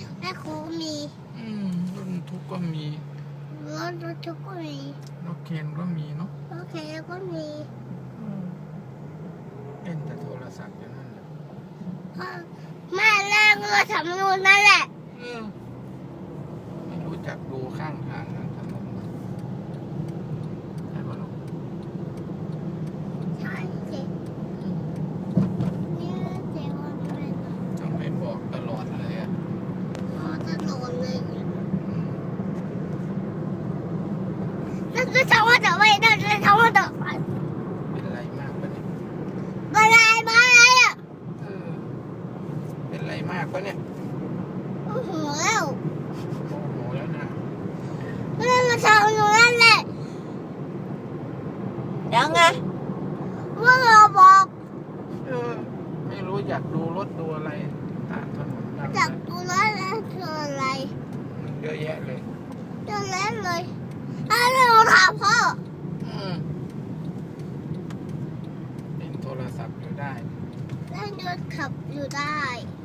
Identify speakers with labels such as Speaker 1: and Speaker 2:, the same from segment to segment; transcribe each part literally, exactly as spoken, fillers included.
Speaker 1: แม่ครูมี
Speaker 2: อืมรถบรรทุกก็มี
Speaker 1: รถรถทุกก็มี
Speaker 2: รถเคนก็มีเนาะ
Speaker 1: โอเคก็มี
Speaker 2: อืมเล่นแต่โทรศัพท์อย่างนั้นแหละ
Speaker 1: พ่อแม่เล่นก็ทำนู่นนั่นแหละ
Speaker 2: เออไม่รู้จักดูข้างทางนะถนนใช่ป่ะลูก
Speaker 1: ใช่สินี่เจ๊ว่าไม่เป็น
Speaker 2: ต้องไปบอกตลอดเลยอ่ะ
Speaker 1: พ่อจะโดนเลย
Speaker 2: อืม
Speaker 1: นั่นคือชาวบ้านจะไม่ได้เลยชาวบ้านจะไป
Speaker 2: เป็นไรมากปะเนี่ย
Speaker 1: มาอะไรมาอะไรอ่ะ
Speaker 2: เออเป็นไรมากปะเนี่ย
Speaker 1: โอ้โหแล้ว
Speaker 2: โมโหแล้วนะ
Speaker 1: เรื่องมาทำนู่นนั่นแหละ
Speaker 3: ยังไง
Speaker 1: ว่าเราบอก
Speaker 2: เออไม่รู้อยากดูรถดูอะไรตามถนนตาม
Speaker 1: จาก
Speaker 2: อะไร
Speaker 1: ตัวนั้นแล้วคืออะไร
Speaker 2: เยอะแยะเลย
Speaker 1: เรื่องนั้นเลยถ้าเราถามพ่อ
Speaker 2: อืมเล่นโทรศัพท์อยู่ได้
Speaker 1: เล่นรถขับอยู่ได้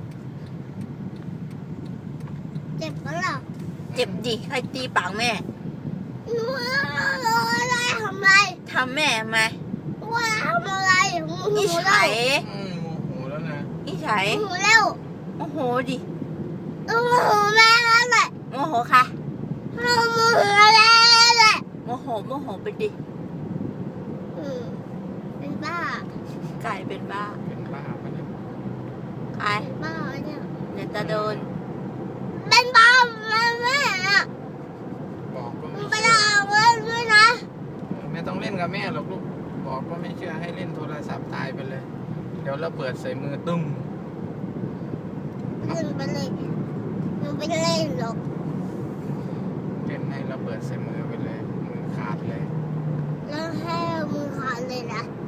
Speaker 1: เจ็บปะล่ะ
Speaker 3: เจ็บดิใครตีปากแม่
Speaker 1: หนูเราอะไรทำไร
Speaker 3: ทำแม่ทำไม
Speaker 1: ว่าทำอะไรหนู
Speaker 3: นิ
Speaker 1: เร็
Speaker 3: สั
Speaker 1: วย
Speaker 2: อืมโมโหแล้วนะ
Speaker 3: นิสัย
Speaker 1: หนูเร็ว
Speaker 3: โมโหดิ
Speaker 1: หนูแม่แล้วแหละ
Speaker 3: โมโหค่ะ
Speaker 1: หนูแม่แหละ
Speaker 3: โมโหโมโหไปดิ
Speaker 1: อืมเป็นบ้า
Speaker 3: ไก่เป็นบ้า
Speaker 2: เป็นบ้าปะเนี่ย
Speaker 3: ไอ้
Speaker 1: เป็นบ้าเนี่ย
Speaker 3: เดี๋ยวจะโดน
Speaker 1: เป็นบ้าแม่แม่อะ
Speaker 2: บอกก็
Speaker 1: หนู
Speaker 2: ไม่
Speaker 1: ไป
Speaker 2: เชื่อ
Speaker 1: ด่าเพื่อนด้วยนะ
Speaker 2: เออไม่ต้องเล่นกับแม่หรอกลูกบอกก็ไม่เชื่อให้เล่นโทรศัพท์ตายไปเลย เดี๋ยวเราเปิดใส่มือตุ้ม
Speaker 1: หนูไปเลยหนูไปเล่นหรอก
Speaker 2: เล่นให้เราเปิดใส่มือไปเลยมือขาดเลย
Speaker 1: แล้วให้มือขาดเลยนะ
Speaker 2: อ